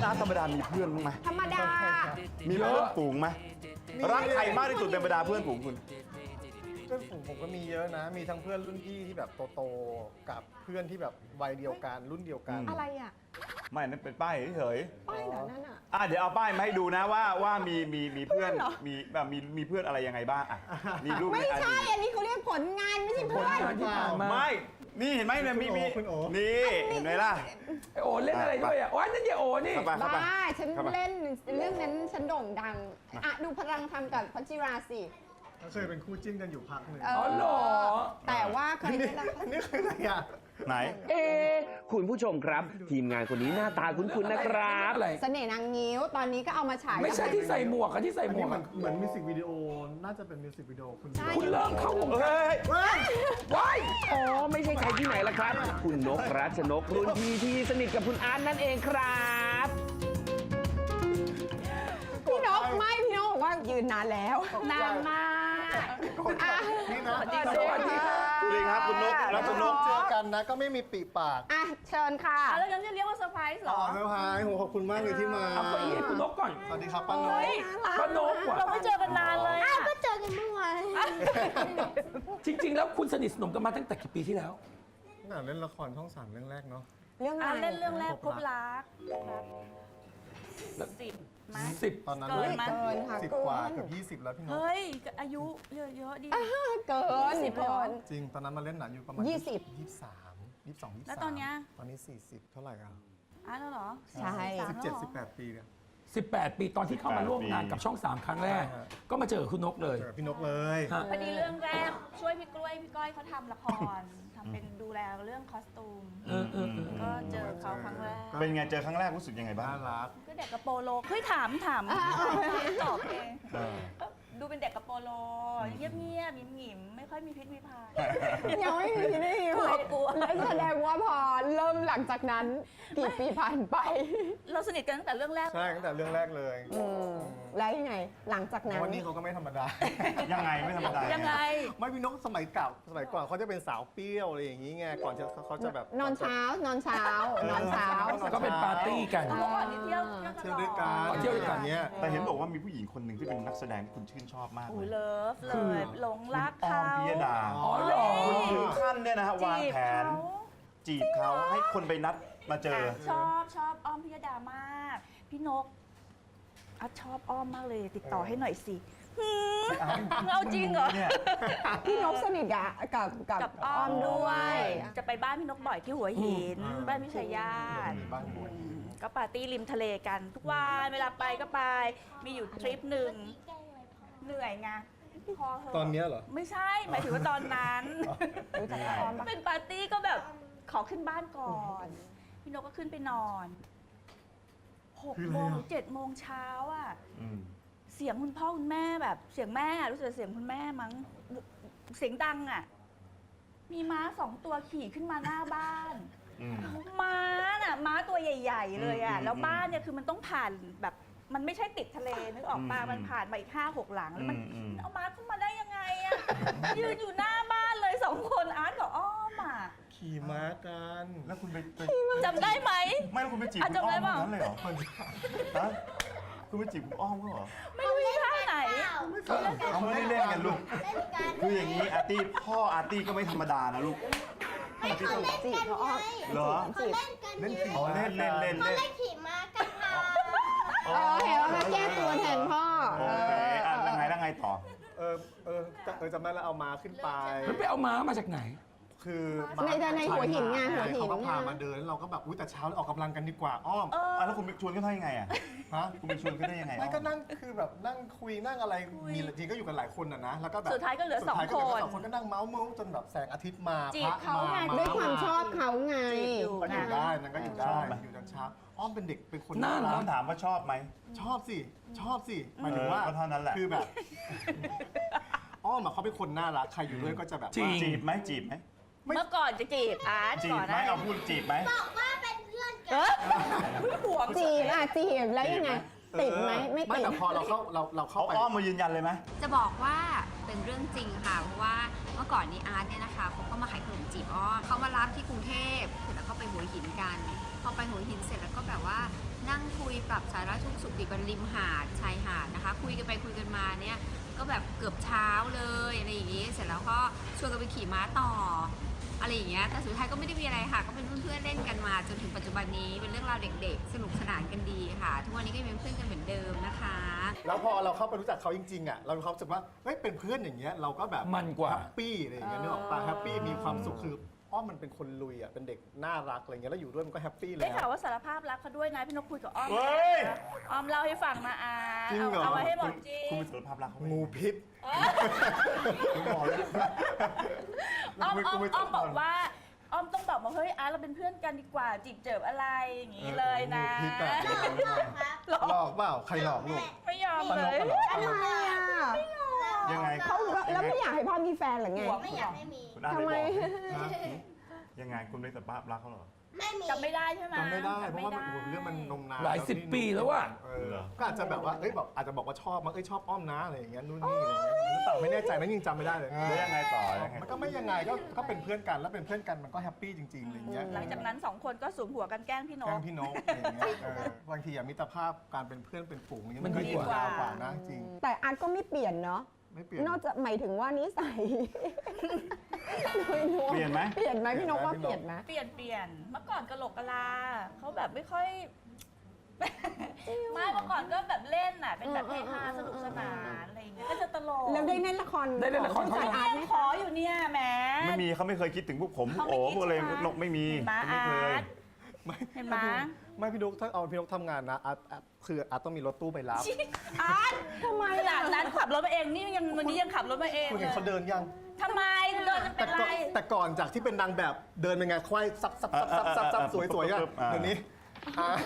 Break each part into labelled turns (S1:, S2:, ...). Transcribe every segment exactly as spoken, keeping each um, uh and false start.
S1: อาร์ตธรรมดามีเพื่อนบ้างไหม
S2: ธรรมดา
S1: มีเพื่อนฝูงไหมรักใครมากที่สุดเป็นบรรดาเพื่อนฝูงคุณ
S3: เพื่อนฝูงผมก็มีเยอะนะ มีทั้งเพื่อนรุ่นพี่ที่แบบโตๆกับเพื่อนที่แบบวัยเดียวกันรุ่นเดียวกัน
S2: อะไรอ่ะ
S1: ไม่นั่นเป็นป้ายเฉย
S2: ป้ายเหรอนั่นอ่ะ
S1: ๆอ่ะเดี๋ยวเอาป้ายมาให้ดูนะว่าว่ามีมีมีเพื่อน
S2: เพื่อนเหรอ
S1: มีแบบมีมีเพื่อนอะไรยังไงบ้างอ่ะมีรูป
S2: ไม่
S1: ในอ
S2: ใช่
S1: ดีต
S2: อันนี้เขาเรียกผลงานไม่ใช่เพื่อน
S4: งานที่ผ่านมา
S1: ไม่นี่เห็นไหมเนี่ยมีมี
S3: คุณโอ
S1: นี่เห็นไหมล่ะ
S4: ไอโอเล่นอะไรด้วยอ่ะโอ้ยนั่นยายโอนี่
S1: เข้าไปเข้าไป
S2: บ้าฉัน
S1: เข้าไป
S2: เล่นเรื่องนั้นฉันโด่งดังอ่ะดูพลังทำกับพัชจิราสิ
S3: ก็เคยเป็นคู่จิ้นกันอยู่พักหนึ่ง
S2: เอ
S4: อ๋อเหรอ
S2: แต่ว่าเคย
S3: อันนี้
S2: ได้ละค
S3: อั
S2: ร
S3: นนี้คืออะไรอ่ะ
S1: ไหน
S5: เอ๊ะคุณผู้ชมครับ ทีมงานคนนี้หน้าตาคุ้นๆนะครับ
S4: อะไร
S2: เสน่ห์นางงิ้วตอนนี้ก็เอามาฉาย
S4: ไม่ใช่ที่ใส่หมวกอะที่ใส่
S3: อัน
S4: หม
S3: นี้
S4: วก
S3: เหมือ
S4: อะ
S3: นเหมือนมิวสิกวิดีโอ น่าจะเป็นมิวสิกวิดีโอคุณ
S4: คุณเริ่มเข้าวงการ
S1: เฮ้ย
S4: ว้าย
S5: อ๋อ ไม่ใช่ใครที่ไหนล่ะครับ คุณนกรัชนกรุ่นพี่ที่สนิทกับคุณอาร์ตนั่นเองครับ
S2: พี่นกไม่พี่นกบอกว่ายืนนานแล้วนานมาก อ่ะ
S3: นี่นะ
S4: สวัสดีค่ะ
S1: สวัสดีครับคุณนกรัชนก
S3: เจอกันนะก็ไม่มีปีปาก
S2: อ่ะเชิญค่ะ
S6: อ่ะแล้วงั้นจะเรียกว่าเซอร์ไพรส์เหร
S3: อ๋
S6: อ
S3: อเซอร์ไพรส์โหขอบคุณมากเลยที่มา
S4: เอาเก้าอี้ให้คุณนกก่อน
S3: สวัสดีครับป้าโน้
S6: เฮ้ย
S4: ป้านกว่ะ
S6: เราไม่เจอกันนานเลยอ่ะ
S2: ก็เจอกันเมื่อวาน
S4: จริง ๆ แล้วคุณสนิทสนมกันมาตั้งแต่กี่ปีที่แล้ว
S3: น่าเล่นละครช่องสามเรื่องแรกเนาะ
S2: เรื่อง
S6: อ่ะ
S2: อะไร
S6: เล่นเรื่องแรกพบรักสิบมั้ย
S4: สิบ
S3: ตอนนั้น
S6: เกินมั้ย
S2: เกินค่ะ
S3: สิบ
S2: เกิ
S3: กว่าน เกือบยี่สิบแล้วพี่โน้ต
S6: เฮ้ย อายุเยอะๆดี
S2: เกิน
S6: ยี่สิบเลยเหรอ
S2: เกิน
S3: จริงตอนนั้นมาเล่นหนังอยู่ประมาณ
S2: ยี่สิบ
S3: ยี่สิบสามยี่สิบสองยี่สิบสาม
S6: แล้วตอนเนี้ย
S3: ตอนนี้สี่สิบเท่าไหร่อ่ะ
S6: อ่ะแล้วเหรอ
S2: ใช่
S3: สิบเจ็ดสิบแปดปีเนี่ย
S4: สิบแปด ปีตอนที่เข้ามาร่วมงานกับช่องสามครั้งแรก
S3: ใช่ฮะ
S4: ก็มาเจอคุณนกเลย
S3: เจอพี่นกเลย
S4: ฮะ
S6: พอดีเรื่องแรกช่วยพี่กล้วยพี่ก้อยเขาทำละครทำเป็นดูแลเรื่องคอสตูม
S4: เออเออเออ
S6: ก็เจอเขาครั้งแรก
S1: เป็นไงเจอครั้งแรกรู้สึกยังไงบ้า
S3: น่าง รัก
S6: ก็เด็กกระโปโลเฮ้ยถามถามตอบเองก็ดูเป็นเด็กกระโปโลเงียบๆหยิมๆไม่ค่อยมีพิษมีภัย
S2: ยังไม่มีไม่มี
S6: กลัวกลัว
S2: แล้วแสดงว่าพอเริ่มหลังจากนั้นกี่ปีผ่านไป
S6: เราสนิทกันตั้งแต่เรื่องแรก
S3: ใช่ตั้งแต่เรื่องแรกเลย
S2: อืมแล้วยังไง หลังจาก
S3: เพ
S2: นั้น
S3: ราะว่านี่เขาก็ไม่ธรรมดา
S1: ยังไงไม่ธรรมดา
S6: ยั
S1: ยัง
S6: ไง
S3: ไม่พี่นกสมัยเก่าสมัยก่อนเขาจะเป็นสาวเปรี้ยวอะไรอย่างนี้ไงก่อนจะเขาจะแบบ
S2: นอนเช้านอนเช้านอนเช้า
S4: ก็เป็นปาร์ตี้กัน
S6: เมื่อก่อนนี่เที่ยว
S3: เที่ยวด้วยกัน
S4: เที่ยวด้วยกัน
S3: อย่างเงี้ย
S1: แต่เห็นบอกว่ามีผู้หญิงคนหนึ่งที่เป็นนักแสดงที่คุณชื่นชอบมาก
S6: โอ้
S1: เลย ย
S6: เลิฟเล
S4: คือ
S6: ยหลงรัก
S1: ออ
S6: เขา
S1: มพิยดา
S4: อ๋อเหรอ
S1: คุณถึงขั้นเนี่ยนะฮะวาง
S6: จีบ
S1: แผน
S6: เขา
S1: จีบเขาให้คนไปนัดมาเจอ
S6: ชอบชอบอ้อมพิยดามาก พี่นกอ่ะชอบอ้อมมากเลย ติดต่อให้หน่อยสิหืมเอาจริงเหรอ
S1: เนี่ย
S2: พี่นกสนิทกับกับกับ
S6: กับอ้
S2: อ้
S6: อ
S2: อ
S6: ม
S2: ม
S6: ด้
S2: ด้
S6: ว
S2: วย ย
S6: จะไปบ้านพี่นกบ่อยที่หัวหิน
S3: อืม
S6: บ้านพี่ชายาติ
S3: มีบ้านบวย
S6: ก็ปาร์ตี้ริมทะเลกันทุกวันเวลาไปก็ไป มีอยู่ทริปหนึ่งเหนื่อยไงพอเหะ
S3: ตอนเนี้ยเหรอ
S6: ไม่ใช่ หมายถึงว่าตอนนั้น
S2: รู้จักอ้อมปะ
S6: เป็นปาร์ตี้ก็แบบขอขึ้นบ้านก่อน พี่นกก็ขึ้นไปนอนหก
S3: คืออะไร
S6: โมง
S3: อ่ะ
S6: เจ็ดโมงเช้าอ่ะ
S1: อืม
S6: เสียงคุณพ่อคุณแม่แบบ เสียงแม่อะรู้สึกเสียงคุณแม่มั้งเสียงดังอ่ะ มีม้าสองตัวขี่ขึ้นมาหน้าบ้าน
S1: อืม
S6: ม้าน่ะม้าตัวใหญ่ ๆ เลยอ่ะ
S1: อืม
S6: แล้วบ้านเนี่ยคือมันต้องผ่านแบบมันไม่ใช่ติดทะเลนึกออกปะ
S1: อืม
S6: มันผ่านมาอีกห้าหกหลังแล้วมัน
S1: อืมอืม
S6: เอาม้าเข้ามาได้ยังไงอ่ะ ยืนอยู่หน้าบ้านเลยสองคนอาร์ตกับอ้อมอ่ะ
S3: ขี่ม้ากัน
S1: แล้วคุณไปไป
S6: จำได้ไหม
S1: ไม่แล้วคุณไปจีบ
S6: อ่ะ
S1: คุณอ้อม
S6: จำได้เปล่า
S1: นั้นเลยเหรอฮะคุณไปจีบคุณอ้อมเขาเหรอ
S6: ไม่รู้ท่าไหน
S1: เขาไม่ได้เล่นกันลูกคืออย่างนี้อาร์ตี้พ่ออาร์ตี้ก็ไม่ธรรมดานะลูก
S2: จีบเขาอ้อม
S1: เหรอ
S2: จีบ
S3: เล่นขี่
S1: อ๋อเล่นเล่นเล่น
S7: เขา
S1: เล่น
S7: เล่นขี่ม้ากันค่ะ
S2: เออเห็นว่ามาแก้ตัวแทนพ่อ
S1: โอเคอ่ะแล้วไงแล้วไงต่อ
S3: เออเออจะเออจำได้แล้วเอาม้าขึ้นไป
S4: แล้วไปเอาม้ามาจากไหน
S3: คือ
S2: ในในหัวหินไงหัวหิน
S3: เขาก็พามาเดินแล้วเราก็แบบอุ้ยแต่เช้าออกกำลังกันดีกว่าอ้อม
S6: เออ
S1: อ่ะแล้วคุณไปชวนเขาได้ยังไงอ่ะ
S3: ฮะ
S1: คุณไปชวนเขาได้ยังไง
S3: ไม่ก็นั่งคือแบบนั่งคุยนั่งอะไรมีจริงก็อยู่กันหลายคนอ่ะนะแล้วก็แบบ
S6: สุดท้ายก็เหลือ
S3: สุดท้ายก็เหลื
S6: สองคน
S3: สองคนก็นั่งเมาส์เมาส์จนแบบแสงอาทิตย์มา
S6: จีบเขาไง
S3: พระ
S2: ด้วยความชอบเขาไง
S6: จีบอยู่
S3: ก็อยู่
S6: นะ
S3: ได้นั่นก็อยู่ได้อยู่จนเช้าอ้อมเป็นเด็กเป็นคน
S4: น่ารัก
S1: ต้องถามว่าชอบไหม
S3: ชอบสิชอบสิหมายถึงว่า
S1: เออก็เท่านั้นแหละ
S3: คือแบบ อ้อมอะเขาเป็นคนน่ารักใครอยู่ด้วยก็จะแบบ
S4: จริ
S3: ว่าง
S1: จีบไหมจีบไหม
S3: ไม่
S6: เมื่อก่อนจะจีบอาร์ต
S1: จี
S6: ก่
S1: บ
S6: อน
S1: ไหม
S6: นะ
S1: เอาพูดจีบไหม
S7: บอกว่าเป็นเพื่อน
S6: เอ
S7: กัน
S6: อห่วง
S2: จีบอ่ะจีบแล้วยังไงติดไหมไม่
S3: ไม่
S2: ติด
S3: แต่พอเราเข้าเราเราเข้า
S1: เขา
S3: ไป
S1: อ้อมมายืนยันเลยไหม
S7: จะบอกว่าเป็นเรื่องจริงค่ะ เพราะว่าเมื่อก่อนนี้อาร์ตเนี่ยนะคะเขาก็มาขายขนมจีบอ้อมเขามารับที่กรุงเทพเสร็จแล้วก็ไปหัวหินกัน พอไปหัวหินเสร็จแล้วก็แบบว่านั่งคุยปรับสาระทุกข์สุขดิบบนริมหาดชายหาดนะคะ คุยกันไปคุยกันมาเนี่ยก็แบบเกือบเช้าเลยอะไรอย่างงี้ เสร็จแล้วก็ชวนกันไปขี่ม้าต่ออะไรอย่างเงี้ย แต่สุดท้ายก็ไม่ได้มีอะไรค่ะ ก็เป็นเพื่อนๆเล่นกันมาจนถึงปัจจุบันนี้เป็นเรื่องราวเด็กๆ สนุกสนานกันดีค่ะ ทุกวันนี้ก็ยังเป็นเพื่อนกันเหมือนเดิมนะคะ
S3: แล้วพอเราเข้าไปรู้จักเขาจริงๆอ่ะเรามีความรู้สึกว่าเฮ้ยเป็นเพื่อนอย่างเงี้ยเราก็แบบ
S4: มันกว่า
S3: แฮปปี้อะไรอย่างเงี้ยนึกออกปะแฮปปี้มีความสุขคืออ้อมมันเป็นคนลุยอ่ะเป็นเด็กน่ารักอะไรเงี้ยแล้วอยู่ด้วยมันก็แฮปปี้แล้
S6: ได้ข่าว
S3: ว
S6: ว่าสารภาพรักเขาด้วยนะพี่นกคุยกับอ้อม
S1: เฮ้ย
S6: อ้อมเล่าให้ฟังนะอา
S3: จริงเหรอ
S6: เอาไว้ให้หมดจริ
S1: คุณ
S6: ง
S1: เป็นสารภาพรักเขาไหม
S3: งูพิษ
S1: ผมบอกเลย
S6: อ้อมอ้อม
S1: ไม่
S6: อ้อมบอกว่าอ้อมต้องบอกว่าเฮ้ยอาร์ตเราเป็นเพื่อนกันดีกว่าจีบเจิบอะไรอย่างงี้เลยนะ
S3: งูพิษอะหลอกเปล่าใครหลอกลูก
S6: ไม่ยอมเลย
S2: ทำไมอ่ะ
S1: ยังไง
S2: เขาแล้วไม่อยากให้พ่อมีแฟนหรือไง
S8: ไม่อยากให้มี
S1: คุณอา
S2: ทำไม
S1: ด้บอกยังไงคุณเป็นสารภาพรักเขาเหรอ
S8: ไม่มี
S6: จำไม่ได้ใช่ไหม
S3: จำไม่ได้เพ
S6: จำ
S3: ราะ
S6: ไม่
S3: ว่า
S6: ได้
S3: โอ้โหเรื่องมันนมนาน
S4: หลายสิบปีแล้วอะ
S3: เออก็อาจจะแบบว่าเอ้ยแบบอาจจะบอกว่าชอบมั้งเอ้ยชอบอ้อมนะอะไรอย่างเงี้ยนู่นนี่อะไรเงี้ยหรือเปล่าไม่แน่ใจนะยังจำไม่ได้เลย
S1: แล้วยังไงต่อยังไง
S3: มันก็ไม่ยังไงก็ก็เป็นเพื่อนกันแล้วเป็นเพื่อนกันมันก็แฮปปี้จริงๆอะไรเงี้ย
S6: หลังจากนั้นสองคนก็สูมหัวกันแกล้งพี่น
S3: แกล้
S6: ก
S3: งพี่นกอะไรอย่างเงี้ยเออบางทีอะมิตรภาพการเป็นเพื่อนเป็นฝูงอย่างเงี้ยมันก็
S4: มันดี
S3: ยิ่ง
S4: กว่า
S3: ยาวกว่านะจริง
S2: แต่อาร์ตก็ไม่เปลี่ยนเนาะ
S3: ไม่เปลี่ยน
S2: นอกจากหมายถึงว่านิสัย
S1: เปลี่ยนไหม
S2: เปลี่ยนไหมพี่นกว่าเปลี่ยนไหม
S6: เปลี่ยนเปลี่ยนเมื่อก่อนกะโหลกกะลาเขาแบบไม่ค่อย ไม่เมื่อก่อนก็แบบเล่นน่ะเป็นแบบเฮฮาสนุกสนานอะไรอย่างเงี้ยก็จะตลก
S2: แล้วได้เล่นละคร
S4: ได้เล่นละคร
S2: ข
S4: เขา
S2: อง
S4: ยัง
S2: อาร์ตไหม
S6: ขออยู่เนี่ยแหม
S1: ไม่มีเขาไม่เคยคิดถึงพวกผมพวก
S6: เขาไม่
S1: โอ้
S6: คิด
S1: พวกอะไร
S6: ใช่ไหม
S1: นกไม่มี
S6: เห็นไหม
S1: ไม่เคย
S6: อาร์ต
S3: ไม่
S6: เห็นไหม
S3: ไม่พี่นกถ้าเอาพี่นกทำงานนะอาร์ตอาร์ตคืออาร์ตต้องมีรถตู้ไปรับ
S6: อาร์ต
S2: ทำไม
S6: ขนาดนั้นขับรถมาเองนี่ยังวันนี้ยังขับรถมาเอง
S3: คุณ
S6: เล
S3: เห็น
S6: ย
S3: เขาเดินยัง
S6: ทำไมเดินจะเป็
S3: แต่
S6: นไร
S3: ก่อนแต่ก่อนจากที่เป็นนางแบบเดินเป็นไงควายซับซับซับซับซับซับสวยสวยๆอะเดี๋ยวนี้อ่ะ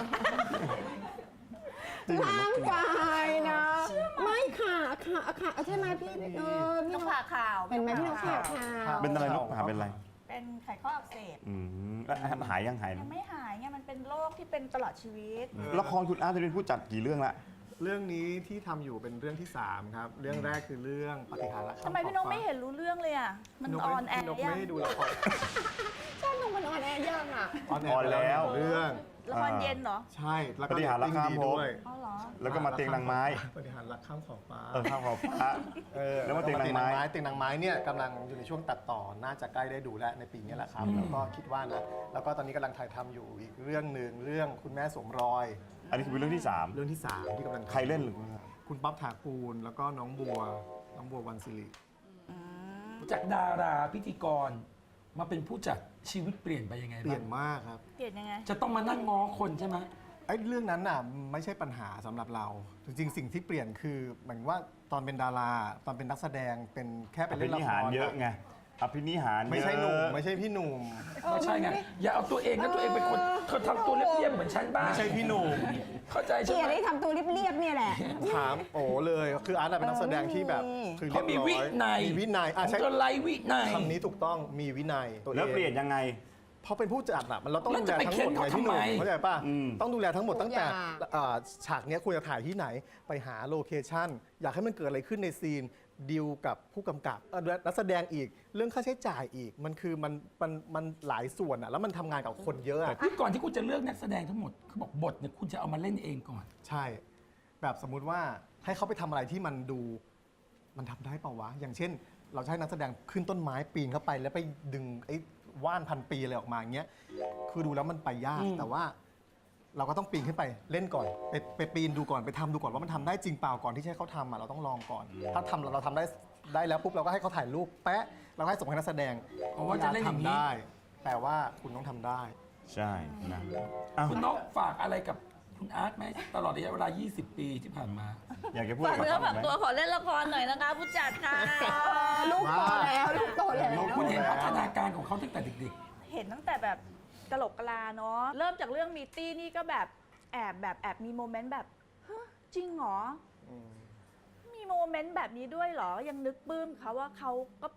S1: จริงเหรอ
S2: ร่างกายนะ ไม่ค่ะค่ะค่ะใช่ไหมพี่เออพี่
S6: น
S2: น
S6: ก
S2: ก
S6: ผ่าข่าว
S2: เป็นไหมพี่นกข่าวข่าว
S1: เป็นอะไรนกหาเป็นอะไร
S6: เป็นไขข้ออักเสบ
S1: อืมแล้วหายยังหาย
S6: ยังไม่หายไงมันเป็นโรคที่เป็นตลอดชีวิต
S1: ละครคุณอาร์ตจะเป็นผู้จัดกี่เรื่องละ
S3: เรื่องนี้ที่ทำอยู่เป็นเรื่องที่สามครับเรื่องแรกคือเรื่องปฏิหารย์รัก
S6: ทำไมพี่นกไม่เห็นรู้เรื่องเลยอ่ะ มันออนแอร์
S3: พี่นก
S6: ยั
S3: ไม่
S6: ง
S3: ได้ดูละคร
S2: ใช่นกมันออนแอร์ยังอ่ะ
S3: ออนแอร์แล้วเรื่อง
S6: ละครเย็นเหรอ
S3: ใช่แล้วก็
S1: ปฏิหารย์รักข้ามภพ
S3: ด้วย
S6: อ๋อเหรอ
S1: แล้วก็มาเตียงนางไม้
S3: ปฏิหารย์รักข้ามขอบฟ้า
S1: เออข้าวขอบพระ
S3: เออ
S1: แล้วมาเตียงนางไม้
S3: เตียงนางไม้เนี่ยกำลังอยู่ในช่วงตัดต่อน่าจะใกล้ได้ดูแล้วในปีนี้แหละครับแล้วก็คิดว่านะแล้วก็ตอนนี้กำลังถ่ายทำอยู่อีกเรื่องหนึ่งเรื่องคุณแม่สวมรอย
S1: อันนี้คือเป็นเรื่องที่สาม
S3: เรื่องที่สามที่กำลังทำ
S1: ใครเล่นหรือ
S3: คุณป๊อปถากูลแล้วก็น้องบัวน้องบัววันศิริ
S4: จากดาราพิธีกรมาเป็นผู้จัดชีวิตเปลี่ยนไปยังไง
S3: เปลี่
S4: บ้าย
S3: น
S4: ง
S3: มากครับ
S6: เปลี่ยนยังไง
S4: จะต้องมานั่งง้อคนใช่ไหม
S3: ไอ้เรื่องนั้นน่ะไม่ใช่ปัญหาสำหรับเรา จริงๆ สิ่งที่เปลี่ยนคือเหมือนว่าตอนเป็นดารา ตอนเป็นนักแสดงเป็นแค่
S1: อ
S3: เป็น
S1: ภิ
S3: เล่นละ
S1: นิ
S3: ค
S1: หาร
S3: ร
S1: เยอะไงอภินิหาร
S3: ไม่ใช่
S1: เยอะ
S3: หนุ่มไม่ใช่พี่หนุ่ม
S4: ไม่ใช่ไง อย่าเอาตัวเองนะตัวเองเป็นคนเธอทำตัวเรียบๆเหมือนฉันบ้าง
S3: ไม่ใช่พี่หนุ่ม
S4: เข้าใจ
S2: เก
S4: ใช่
S2: ลียด
S4: ไหม
S2: ที่ทำตัวเรียบๆเนี่ยแหละ
S3: ถามโอ้เลยคืออาร์ตอะเป็นนักแสดงที่แบบคือ
S4: เขามีวินัย
S3: มีวินัยอ่ะ
S4: ของ
S3: ใช่
S4: เธอไร้วินัย
S3: คำนี้ถูกต้องมีวินัยตัวเอง
S1: แล้วเปลี่ยนยังไง
S3: เพราะเป็นผู้จัดอะมันเราต้อง
S4: แล้ว
S3: ดู
S4: จะ
S3: แล
S4: ไป
S3: ทั้งหมด
S4: เค้น
S3: ไง
S4: เขา
S3: พี่หนุ่ม
S4: ทำไม
S3: เข้าใจป่ะ
S1: อืม
S3: ต้องดูแลทั้งหมดตั้งแต่
S2: ทุกอย่าง
S3: เอ่อฉากเนี้ยควรจะถ่ายที่ไหน ไปหาโลเคชั่นอยากให้มันเกิดอะไรขึ้นในซีนดีลกับผู้กำกับเอ่อนักแสดงอีกเรื่องค่าใช้จ่ายอีกมันคือมันมันมันหลายส่วนอะแล้วมันทำงานกับคนเยอะอะ
S4: ที่ก่อนที่คุณจะเลือกนักแสดงทั้งหมดคือบอกบทเนี่ยคุณจะเอามาเล่นเองก่อน
S3: ใช่ แบบสมมุติว่าให้เขาไปทำอะไรที่มันดูมันทำได้เปล่าวะ อย่างเช่น เราจะให้นักแสดงขึ้นต้นไม้ปีนเข้าไป แล้วไปดึงไอ้ว่านพันปีอะไรออกมาอย่างเงี้ยคือดูแล้วมันไปยาก
S4: อืม
S3: แต่ว่า เราก็ต้องปีนขึ้นไปเล่นก่อนไปไปปีนดูก่อนไปทำดูก่อนว่ามันทำได้จริงเปล่าก่อนที่จะให้เขาทำอ่ะเราต้องลองก่อน ถ้าทำเราทำได้ได้แล้วปุ๊บเราก็ให้เขาถ่ายรูปแปะเราก็ให้ส่งให้นักแสดง
S4: เพราะว่าจะเล่นอย่างนี้
S3: ทำได้ แต่ว่าคุณต้องทำได้
S1: ใช่นะอ้าว
S4: คุณนกฝากอะไรกับคุณอาร์ตไหมตลอดระยะเวลา ยี่สิบ ปีที่ผ่านมา
S1: อยากจะพูด
S6: ฝาก
S1: กับ
S6: เนื้อ
S1: เขา
S6: ฝาก
S1: ไหม
S6: ตัวขอเล่นละครหน่อยนะคะ ผู้จัดค่ะ
S2: ลูกโตแล้วลูกโตแล้ว
S4: คุณเห็นพัฒนาการของเขาตั้งแต่เด็ก
S6: เห็นตั้งแต่แบบกะโหลกกะลาเนาะเริ่มจากเรื่องมีตี้นี่ก็แบบแอบแบบแอบมีโมเมนต์แบบฮะจริงเหรอมีโมเมนต์แบบนี้ด้วยเหรอยังนึกปลื้มเขาว่าเขาก็เป็น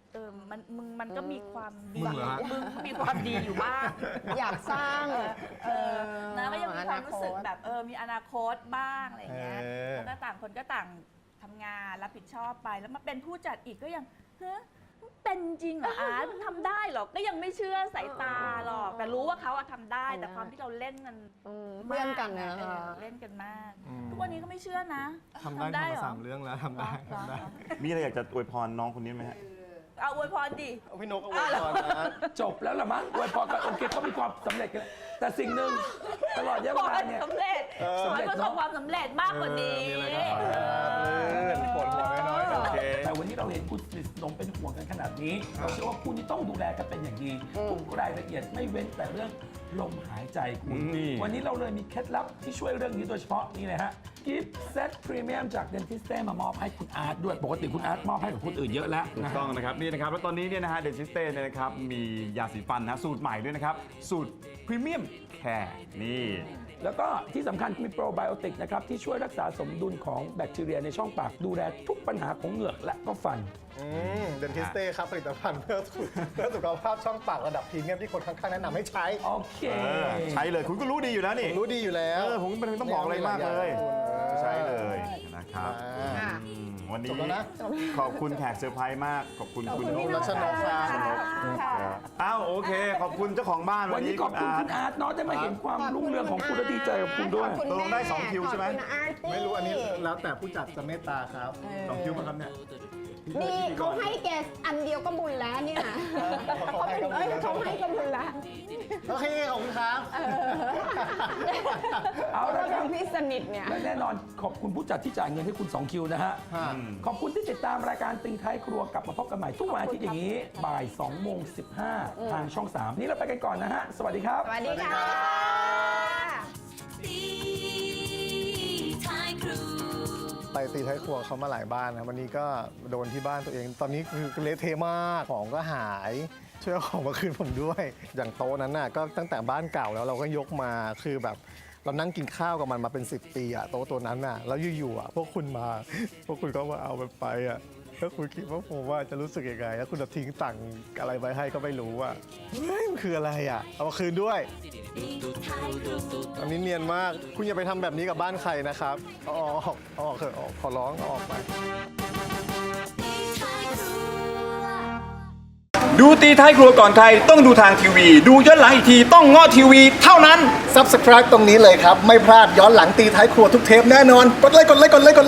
S6: เออมันมึงมันก็มีความดี
S3: มึงเหรอฮะ
S6: มึงมีความดีอยู่บ้าง
S2: อยากสร้าง
S6: เออนะก็ยังมีความรู้สึก
S2: อนาคต
S6: แบบเออมีอนาคตบ้างอะไรอย่างเงี้ย
S3: เออ
S6: แล้วก็ต่างคนก็ต่างทำงานรับผิดชอบไปแล้วมาเป็นผู้จัดอีกก็ยังเฮ้ยเป็นจริงเหรออาร์ตทำได้เหรอก็ยังไม่เชื่อสายตาหรอกแต่รู้ว่าเขาอะทำได้ แต่ความที่เราเล่นกัน
S2: อืมเพื่อนกันนะ
S6: เอ
S2: คะ
S6: อเล่นกันมาก
S3: อืม
S6: ทุกวันนี้ก็ไม่เชื่อนะ
S3: ทำได้ทำ
S6: เหร
S3: มา
S6: อ
S3: สามเรื่องแล้วทำได้
S6: เหรอ
S3: ทำได้
S1: มีอะไรอยากจะอวยพรน้องคนนี้ไหมฮะ
S6: เอาอวยพรดิ
S3: พี่นกเอาไว้ก่อนนะ
S4: จบแล้วละมั้งอวยพรกันโอเคเขามีความสำเร็จกันแต่สิ่งหนึ่งตลอดระยะ
S6: ข
S4: เว
S6: อ
S4: ลา
S6: ให้
S4: เนี่ย
S6: สำเร็จขอให้ประสบความสำเร็จมากกว่านี้
S3: มีอะไรก็ขอให้ปวดหัวน้อยๆ
S1: โอเค
S4: แต่วันนี้เราเห็นคุณสนิทสนมเป็นห่วงกันขนาดนี้ เราเชื่อว่าคู่นี้ต้องดูแลกันเป็นอย่างดีทุกรายละเอียดไม่เว้นแต่เรื่องลมหายใจคุณ
S1: นี่
S4: วันนี้เราเลยมีเคล็ดลับที่ช่วยเรื่องนี้โดยเฉพาะนี่เลยฮะกิฟต์เซตพรีเมียมจากเดนทิสเต้มามอบให้คุณอาร์ตด้วยปกติคุณอาร์ตมอบให้กับคนอื่นเยอะแล้ว
S1: ถู
S4: นะ
S1: ก
S4: ฮะ
S1: ต้องนะครับนี่นะครับแล้วตอนนี้เนี่ยนะฮะเดนซิสเต้เนี่ยนะครับมียาสีฟันนะสูตรใหม่ด้วยนะครับ สูตรพรีเมียมแคร์นี่
S4: แล้วก็ที่สำคัญมีโปรไบโอติกนะครับที่ช่วยรักษาสมดุลของแบคทีเรียในช่องปากดูแลทุกปัญหาของเหงือกและก็ฟัน
S3: อืมเดนทิสเต้ครับผลิตภัณฑ์เพื่อสุขเพื่อสุขภาพช่องปากระดับพรีเมียมที่คนข้างๆแนะนำให้ใช้
S4: โอเค
S1: เออใช้เลยคุณก็รู้ดีอยู่แล้วนี่
S3: ผมรู้ดีอยู่แล้ว
S1: เออผมไม่ต้องบอกอะไรมากเลย
S3: ออ
S1: ใช้เลยนะครับ
S3: อ่า
S1: อืมวันนี้
S3: จบแล้วนะ
S1: ขอบคุณแขกเซอร์ไพรส์มากขอบคุณคุณ
S3: ขอบคุณรัชนกครับ
S1: อ้าวโอเค ขอบคุณเจ้าของบ้าน
S4: วั
S1: วัน น
S4: นี้
S1: นี้
S4: ขอบคุณคุณอาร์ตเนาะได้มาเห็นความรุ่งเรืองของคุณและดีใจกับคุณด้วย
S2: ขอบ
S1: ตกลงได้สองคิวใช่ไหม
S2: ขอบคุณอาร์ตี้
S3: ไม่รู้อันนี้แล้วแต่ผู้จัดจะเมตตาครับสองคิวป่ะครับเนี่ย
S2: นี่เขาให้แกอันเดียวก็บุญแล้วเนี่ย
S3: เขาให้ก็บุญแล้ว
S2: เขาให้ก็บุญแล้ว
S3: โอเคขอบคุณครับ
S4: เอา
S2: เรา
S4: ละค
S2: เป็
S4: รับ
S2: นพี่สนิทเนี่ย
S4: และแน่นอนขอบคุณผู้จัดที่จ่ายเงินให้คุณสองคิวนะฮะ ขอบคุณที่ติดตามรายการติงท้ายครัวกลับมาพบกันใหม่ทุกวันอาทิตย์อย่างนี้บ่ายสองโมงสิบห้าทางช่องสามนี่เราไปกันก่อนนะฮะ สวัสดีครับ
S2: สวัสดีค่ะ
S3: ไปตีท้ายครัวเขามาหลายบ้านนะวันนี้ก็โดนที่บ้านตัวเอง ตอนนี้คือเละเทะมากของก็หายช่วยเอาของมาคืนผมด้วย อย่างโต๊ะนั้นน่ะก็ตั้งแต่บ้านเก่าแล้วเราก็ยกมาคือแบบเรานั่งกินข้าวกับมันมาเป็นสิบปีอะโต๊ะตัวนั้นน่ะแล้วอยู่ๆอะพวกคุณมาพวกคุณก็มาเอามันไปอะแล้วคุณคิดว่าผมว่าจะรู้สึกยังไงแล้วคุณจะทิ้งตังค์อะไรไว้ให้ก็ไม่รู้อะเฮ้ยมันคืออะไรอะเอามาคืนด้วย อันนี้เนียนมาก คุณอย่าไปทำแบบนี้กับบ้านใครนะครับเอาออกเอาออกเถอะเอาออกขอร้องเอาออกไป
S8: ดูตีท้ายครัวก่อนใครต้องดูทางทีวี ดูย้อนหลังอีกทีต้องง้อทีวีเท่านั้น
S3: Subscribe ตรงนี้เลยครับ ไม่พลาดย้อนหลังตีท้ายครัวทุกเทปแน่นอน กดไลค์กดไลค์กดไลค์กดไลค์